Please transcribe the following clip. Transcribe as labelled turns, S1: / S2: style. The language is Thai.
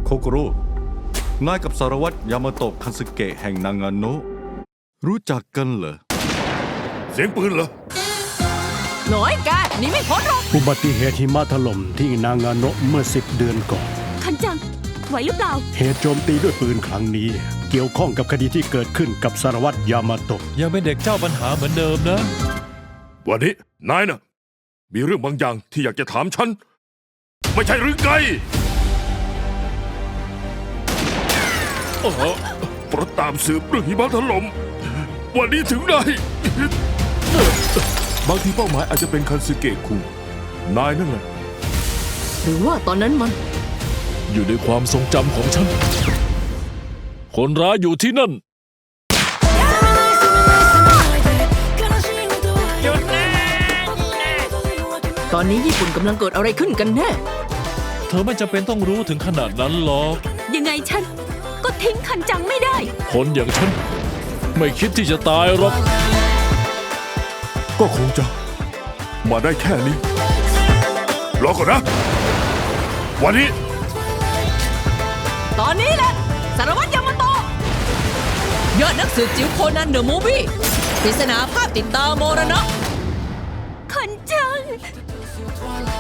S1: โกโร่นายกับสารวัตรยามาโตะคันสึเกะแห่งนางาโนะรู้จักกันเหรอ
S2: เสียงปืนเหรอ
S3: หน่อยแกหนีไม่พ้นหรอก
S4: อุบัติเหตุหิมะถล่มที่นางาโนะเมื่อ10 เดือนก่อน
S5: คันจัง ไหวหรือเปล่า
S4: เหตุโจมตีด้วยปืนครั้งนี้ เกี่ยวข้องกับคดีที่เกิดขึ้นกับสารวัตรยามาโตะ
S6: ยังเป็นเด็กเจ้าปัญหาเหมือนเดิมนะ
S2: วันนี้นายน่ะ มีเรื่องบางอย่างที่อยากจะถามฉัน ไม่ใช่หรือไงเพราะตามสืบเรื่องหิมะถล่มวันนี้ถึงได้ บางทีเป้าหมายอาจจะเป็นคันสึเกะคุงนายนั่นแหละ
S3: หรือว่าตอนนั้นมัน
S6: อยู่ในความทรงจำของฉัน คนร้ายอยู่ที่นั่น
S3: ตอนนี้ญี่ปุ่นกำลังเกิดอะไรขึ้นกันแน่
S6: เธอไม่จำเป็นต้องรู้ถึงขนาดนั้นหรอก
S5: ยังไงฉัน ก็ทิ้งคันจังไม่ได้
S6: คนอย่างฉัน ไม่คิดที่จะตายหรอก
S2: ก็คงจะมาได้แค่นี้ รอก่อนนะ วันนี้
S3: ตอนนี้แหละสารวัตรยามาโตะยอดนักสืบจิ๋วโคนันเดอะมูฟวี่ปริศนาภาพติดตามมรณะ
S5: คันจัง